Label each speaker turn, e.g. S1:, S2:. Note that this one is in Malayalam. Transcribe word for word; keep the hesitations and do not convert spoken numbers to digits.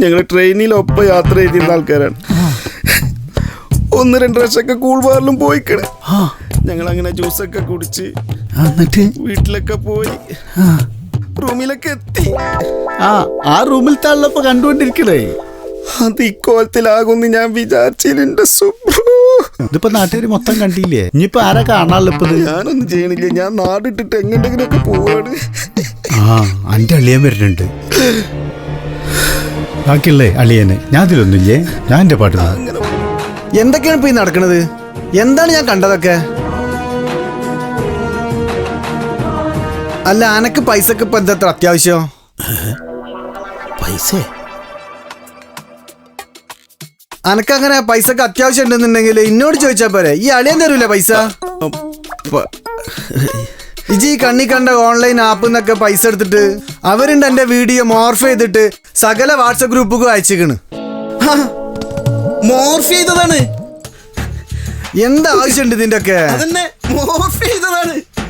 S1: ഞങ്ങൾ ട്രെയിനിലൊപ്പം യാത്ര ചെയ്തിരുന്ന ആൾക്കാരാണ്. ഒന്ന് രണ്ട് പ്രാവശ്യമൊക്കെ കൂൾ ബാറിലും പോയിക്കണ്. ഞങ്ങൾ അങ്ങനെ ജ്യൂസൊക്കെ കുടിച്ച് എന്നിട്ട് വീട്ടിലൊക്കെ പോയി റൂമിലൊക്കെ എത്തി.
S2: ആ ആ റൂമിൽ തള്ളപ്പോ കണ്ടുകൊണ്ടിരിക്കണേ.
S1: അത് ഇക്കോലത്തിലാകുമെന്ന് ഞാൻ വിചാരിച്ചില്ല സുബ്രു.
S2: ഇതിപ്പോ നാട്ടുകാർ മൊത്തം കണ്ടില്ലേ? ഇനിയിപ്പോ ആരാ കാണാനുള്ള ഇപ്പൊ?
S1: ഞാനൊന്നും ചെയ്യണില്ല, ഞാൻ നാടിട്ടിട്ട് എങ്ങോട്ടെങ്കിലും ഒക്കെ പോവാണ്.
S2: ആ അന്റെ അളിയൻ വരുന്നുണ്ട്. ബാക്കിയുള്ളേ അളിയന് ഞാൻ അതിലൊന്നുമില്ലേ, ഞാൻ എന്റെ പാട്ട്.
S3: എന്തൊക്കെയാണ് ഇപ്പൊ ഈ നടക്കണത്? എന്താണ് ഞാൻ കണ്ടതൊക്കെ? അല്ല അനക്ക് പൈസക്ക് ഇപ്പൊ എന്താ അത്യാവശ്യം?
S2: പൈസ
S3: അനക്കങ്ങനെ പൈസക്ക് അത്യാവശ്യം ഉണ്ടെന്നുണ്ടെങ്കിൽ എന്നോട് ചോദിച്ചാ പോരെ. ഈ അളിയൻ തരൂലേ പൈസ? ഇജി ഈ കണ്ണി കണ്ട ഓൺലൈൻ ആപ്പ് എന്നൊക്കെ പൈസ എടുത്തിട്ട് അവരുണ്ട് എന്റെ വീഡിയോ മോർഫ് ചെയ്തിട്ട് സകല വാട്സപ്പ് ഗ്രൂപ്പുക്കും അയച്ചിക്കണ്.
S1: മോർഫ് ചെയ്തതാണ്.
S3: എന്താ ആവശ്യമുണ്ട് ഇതിന്റെ ഒക്കെ?
S1: മോർഫ് ചെയ്തതാണ്.